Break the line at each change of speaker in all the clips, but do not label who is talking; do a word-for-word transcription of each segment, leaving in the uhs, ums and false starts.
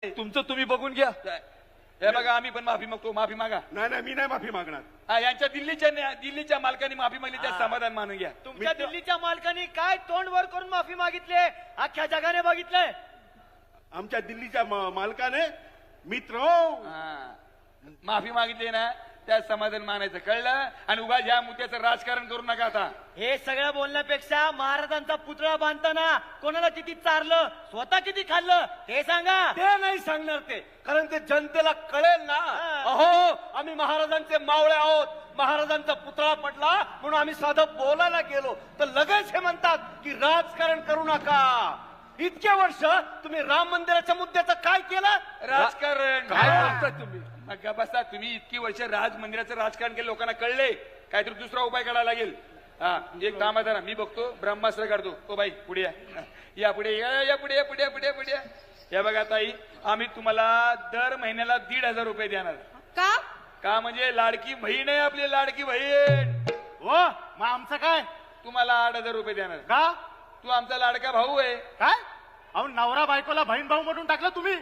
तुमचं तुम्ही बघून घ्या।
हे बघा आम्ही पण माफी मागतो, माफी मागा।
नाही नाही मी नाही माफी मागणार।
हा, यांच्या दिल्लीच्या न्या- दिल्लीच्या मालकांनी माफी मागली, त्या समाधान मानून घ्या।
तुमच्या दिल्लीच्या मालकांनी काय तोंड वर करून माफी मागितली अख्ख्या जगाने बघितलंय।
आमच्या दिल्लीच्या मा- मालकाने मित्र
हा, माफी मागितली ना त्या समाधान मानायचं, कळलं? आणि उगा ह्या मुद्द्याचं राजकारण करू नका आता।
हे सगळं बोलण्यापेक्षा महाराजांचा पुतळा बांधताना कोणाला किती चारलं, स्वतः किती खाल्लं ते सांगा।
ते नाही सांगणार ते, कारण ते जनतेला कळेल ना। अहो, आम्ही महाराजांचे मावळे आहोत, महाराजांचा पुतळा पडला म्हणून आम्ही साधं बोलायला गेलो तर लगेच हे म्हणतात की राजकारण करू नका। इतके वर्ष तुम्ही राम मंदिराच्या मुद्द्याचं काय केलं?
राजकारण
काय बोलताय तुम्ही?
मग बसा, तुम्ही इतकी वर्ष राज मंदिराचं राजकारण केलं, लोकांना कळले, काहीतरी दुसरा उपाय काढायला लागेल। हा, एक काम आहे ना, मी बघतो ब्रह्मास्त्र काढतो। ओ बाई पुढे या, या पुढे या, या पुढे या, पुढे या, पुढे या, पुढे या। हे बघा ताई, आम्ही तुम्हाला दर महिन्याला दीड हजार रुपये देणार।
का?
का म्हणजे लाडकी बहीण आहे आपली, लाडकी बहीण।
हो मग आमचं काय?
तुम्हाला आठ हजार रुपये देणार।
का?
तू आमचा लाडका भाऊ आहे।
काय? अहो, नवरा बायकोला बहीण भाऊ म्हणून टाकलं तुम्ही।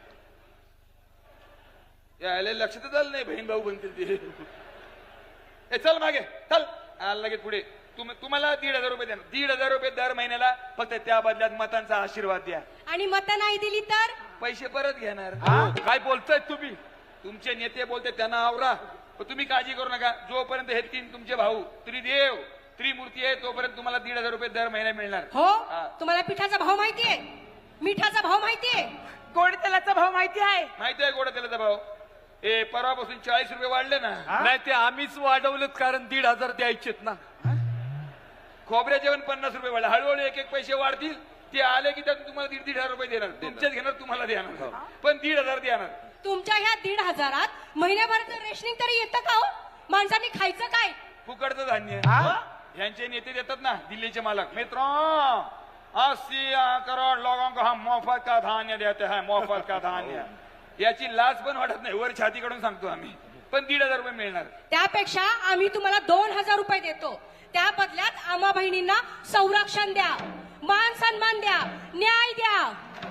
यायला लक्षातच आलं नाही बहीण भाऊ बनतील ते। ए चल मागे चल, आला लगेच पुढे। तुम तुम्हाला दीड हजार रुपये देणार, दीड हजार रुपये दर महिन्याला, फक्त त्या बदल्यात मतांचा आशीर्वाद द्या।
आणि मतं नाही दिली तर?
पैसे परत घेणार।
काय बोलताय तुम्ही?
तुमचे नेते बोलते त्यांना आवरा, पण तुम्ही काळजी करू नका। जोपर्यंत हे तीन तुमचे भाऊ त्रिदेव त्रिमूर्ती आहे तोपर्यंत तुम्हाला दीड हजार रुपये दर महिना मिळणार।
हो,
हा.
तुम्हाला पिठाचा भाव माहितीये, मिठाचा भाव माहितीये,
गोड तेलाचा भाव माहिती आहे?
माहिती आहे गोडा तेलाचा भाव? ए परवापासून चाळीस रुपये वाढले ना।
नाही, ते आम्हीच वाढवलेत, कारण दीड हजार द्यायचेत ना।
खोबऱ्याचे पण पन्नास रुपये वाढले, हळूहळू एक एक पैसे वाढतील। ते आले की त्यातून तुम्हाला दीड दीड हजार रुपये देणार, तुमच्याच घेणार, तुम्हाला देणार, पण दीड हजार देणार।
तुमच्या ह्या दीड हजारात महिन्याभराचं रेशनिंग तरी येतं का हो? माणसांनी खायचं काय?
फुकटचं धान्य यांचे नेते देतात ना, दिल्लीचे मालक। मित्रों, अस्सी करोड लोगों को हम मोफत का धान्य देते हैं, मोफत का धान्य। याची लाज पण वाटत नाही, वर छाती कडून सांगतो आम्ही, पण दीड हजार रुपये मिळणार।
त्यापेक्षा आम्ही तुम्हाला दोन हजार रुपये देतो, त्या बदल्यात आम्हा बहिणींना संरक्षण द्या, मान सन्मान द्या, न्याय द्या।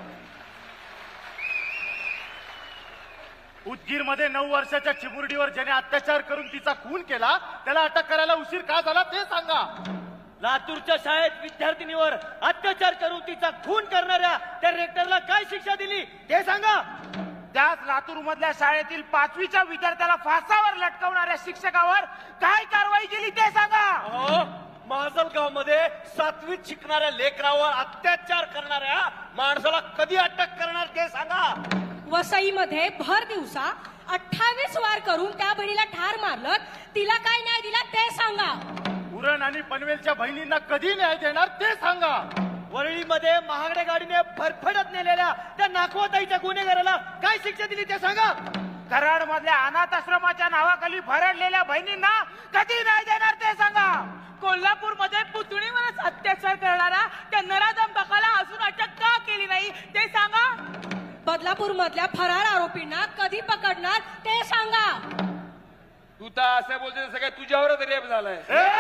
उदगीर मध्ये नऊ वर्षाच्या चिमुरडीवर ज्याने अत्याचार करून तिचा खून केला त्याला अटक करायला उशीर का झाला ते सांगा। लातूरच्या शाळेत विद्यार्थिनीवर अत्याचार करून तिचा खून करणाऱ्या त्या रेक्टरला काय शिक्षा दिली ते सांगा।
त्याच लातूर मधल्या शाळेतील पाचवीच्या विद्यार्थ्याला फासावर लटकवणाऱ्या शिक्षकावर काय कारवाई केली ते सांगा।
माजलगाव मध्ये सातवीत शिकणाऱ्या लेकरावर अत्याचार करणाऱ्या माणसाला कधी अटक करणार ते सांगा।
वसईमध्ये भर दिवसा अठ्ठावीस वार करून त्या बहिणीला ठार मारलं, तिला काय न्याय दिला ते सांगा।
उरण आणि पनवेलच्या बहिणींना कधी न्याय देणार ते सांगा। वरळीमध्ये महागड्या गाडीने फरफडत नेलेल्या त्या नाखवाताईच्या गुन्हेगाराला काय शिक्षा दिली ते सांगा।
कराड मधल्या अनाथ आश्रमाच्या नावाखाली भरडलेल्या बहिणींना कधी न्याय देणार ते सांगा। कोल्हापूर मध्ये पुतणीवरच अत्याचार करणारा त्या नराधम अजून अटक का केली नाही ते सांगा।
बदलापूर मधल्या फरार आरोपींना कधी पकडणार ते सांगा।
तू तर असं बोलते सगळ्या तुझ्यावरच रेप झालाय।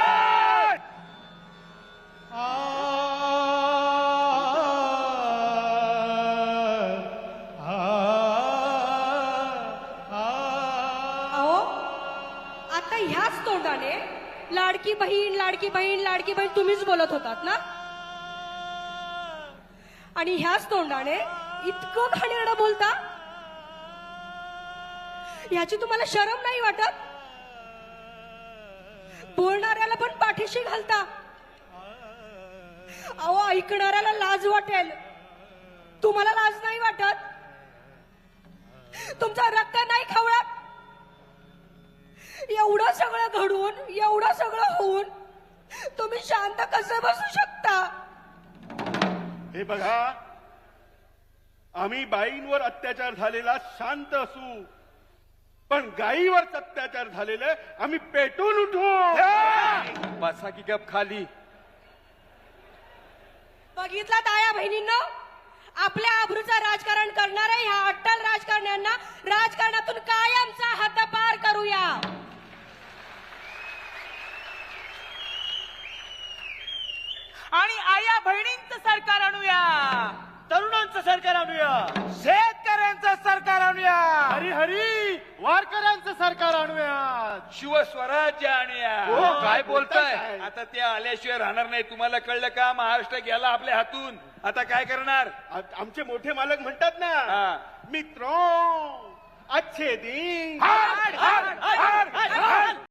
अहो, आता ह्याच तोंडाने लाडकी बहीण लाडकी बहीण लाडकी बहीण तुम्हीच बोलत होतात ना, आणि ह्याच तोंडाने इतकं घाणेरडं बोलता, याची तुम्हाला शरम नाही वाटत? बोलणाऱ्याला पण पाठीशी घालता, अहो ऐकणाऱ्याला लाज वाटेल, तुम्हाला लाज नाही वाटत? तुमचा रक्त नाही खवळत? एवढं सगळं घडून एवढं सगळं होऊन तुम्ही शांत कसं बसू शकता?
हे बघा, आम्ही बाईंवर अत्याचार झालेला शांत असू, पण गायीवर अत्याचार झालेले आम्ही पेटून उठू।
बसा की गप खाली।
बघितला ताया बहिणींनो, आपल्या आबरूचं राजकारण करणाऱ्या ह्या अट्टल राजकारण्यांना राजकारणातून कायमचा हद्दपार करूया।
आणि आया बहिणींचं सरकार आणूया।
तरुणांचं सरकार आणूया.
शेतकऱ्यांचं सरकार आणूया.
हरी हरी वारकऱ्यांचं सरकार आणूया.
शिवस्वराज्य आणूया.
हो,
काय
बोलताय?
बोलताय? आता ते आल्याशिवाय राहणार नाही. तुम्हाला कळलं का? महाराष्ट्र गेला आपल्या हातून. आता काय करणार?
आ- आमचे मोठे मालक म्हणतात ना,
हा.
मित्रो अच्छे दिन
हाड, हाड, हाड, हाड.